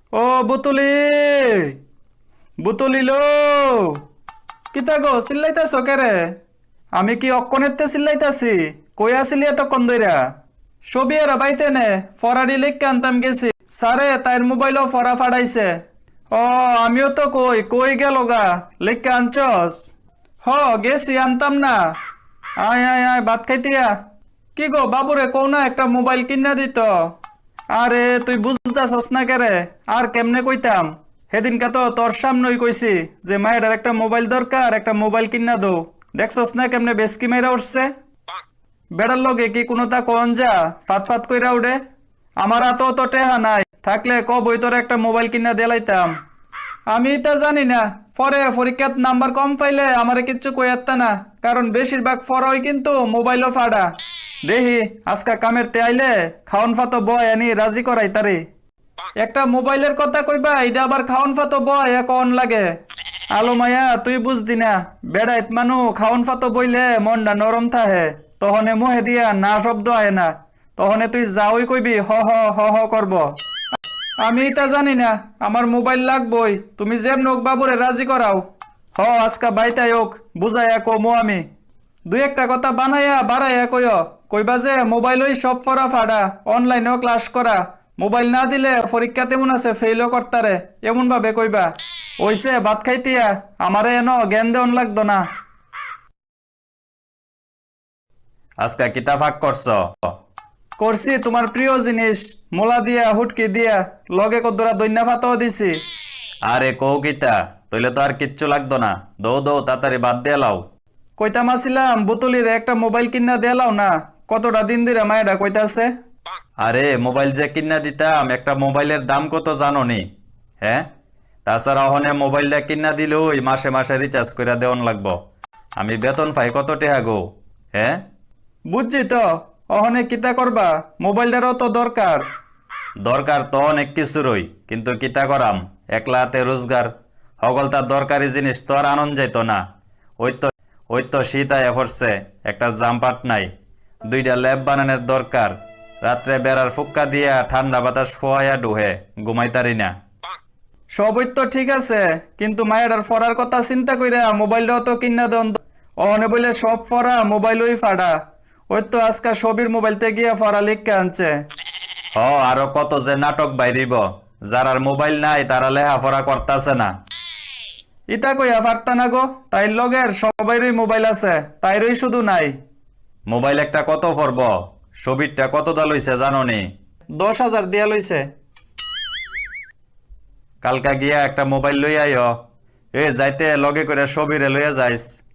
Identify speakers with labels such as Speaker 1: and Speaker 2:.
Speaker 1: ও বুতুলি, বুতুলি লো, কিতা গো চিল্লাইতাছ কেরে? আমি কি অক্কনেতে চিল্লাইতাছি? কই আসিলি এতক্ষণ ধইরা? ছবি এরা বাইতে নে, ফরাডি লিখকে আনতাম গেছি। সারে তাইর মোবাইলও ফরা ফাড়াইছে। ও আমিও তো কই কই গেল গা, লিখকে আনছস? হ গেছি, আনতাম না। আয় আয় আয় ভাত খাইতিয়া। কি গো বাবুরে কও না একটা মোবাইল কিনা দিত। আরে তুই বুঝতাছস না কেরে? আর কেমনে কইতাম? সেদিনকা তো তোর সামনেই কইছি যে মায়ের একটা মোবাইল দরকার, একটা মোবাইল কিনা দো। দেখছস না কেমনে বেসকি মেয়েরা উঠছে? বেড়ার লগে কি কোনো তা কন যা ফাত ফাত কইরা উঠে? আমার হাতেও তো টেহা নাই, থাকলে কবই তোর একটা মোবাইল কিনা দিলাইতাম। আমি তা জানি না, পরে পরীক্ষাত নাম্বার কম পাইলে আমারে কিচ্ছু কইয়াত্তা না, কারণ বেশিরভাগ ফরই কিন্তু মোবাইলও ফাড়া। দেহি আজকা কামের তে আইলে খাওন ফাতো বয় আনি রাজি করাই তারি। একটা মোবাইলের কথা কইবা, এটা আবার খাওন ফাতো বয় এখন লাগে। আলো মায়া তুই বুঝদি না, বেড়াইত মানু খাওন ফাতো বইলে মনটা নরম থাহে, তহনে মুহে দিয়া না শব্দ আহে না, তহনে তুই যাওই কইবি হ হ হ হ করব। আমি এটা জানি না, আমার মোবাইল লাগবই, তুমি যেম নোক বাবুরে রাজি করাও। হ আজকা বাইতাই হোক, বুঝাইয়া কমো আমি। দুই একটা কথা বানাইয়া বাড়াইয়া কইও, কইবা যে মোবাইলই সব পড়া ফাড়া, অনলাইনেও ক্লাস করা, মোবাইল না দিলে পরীক্ষা তেমন আছে ফেইলও করতারে, এমন ভাবে কইবা। ওইসে ভাত খাইতিয়া, আমারে এনো জ্ঞান দেওন লাগতো না। আজকা কিতা ফাঁক করছ? করছি তোমার প্রিয় জিনিস, মোলা দিয়া হুটকি দিয়া, লগে কদ্দুরা দৈন্যা ফাতাও দিছি। আরে কৌ কিতা, তইলে তো আর কিচ্ছু লাগতো না, দৌ দৌ তাড়াতাড়ি বাদ দিয়ে লাও। কইতাম আসিলাম বুতুলির একটা মোবাইল কিনা দেলাও না, কতটা দিন ধরে মায়েরা কইতাছে। আরে মোবাইল যে কিনা দিতাম, একটা মোবাইলের দাম কত জানো নি? হ্যাঁ, তাছাড়া ওখানে মোবাইলটা কিনা দিলেই মাসে মাসে রিচার্জ করে দেওয়ান লাগবো। আমি বেতন পাই কত টাকা গো? হ্যাঁ বুঝছি তো, ওখানে কিতা করবা, মোবাইলটারও তো দরকার। দরকার তো অনেক কিছুরই, কিন্তু কিতা করাম, একলা হাতে রোজগার, সকল তার দরকারি জিনিস তো আর আনন্দ যাইতো না। ওই তো ওই তো শীত আয়া পড়ছে, একটা জামপাট নাই, দুইটা ল্যাব বানানোর দরকার, রাত্রে বেড়ার ফুক্কা দিয়া ঠান্ডা বাতাস ফোয়াইয়া ডুহে ঘুমাইতারি না। সবই তো ঠিক আছে, কিন্তু মায়ের ফরার কথা চিন্তা কইরা মোবাইলটাও তো কিনা দেন। অনে বলে সব ফরা মোবাইলই ফাড়া, ওই তো আজকাল সবির মোবাইলতে গিয়া ফরা লিখকে আনছে। হ আরো কত যে নাটক বাইরিব, যারার মোবাইল নাই তারা লেহাফড়া করতাছে না। ইতা কইয়া পারতা না গো, তাইর লগের সবাইরই মোবাইল আছে, তাইরই শুধু নাই। মোবাইল একটা কত পড়ব? সবিরটা কত দা লইছে জানো নি? 10,000 দিয়া লইছে। কালকা গিয়া একটা মোবাইল লই আইও, এ যাইতে লগে করে সবিরে লইয়া যাইস।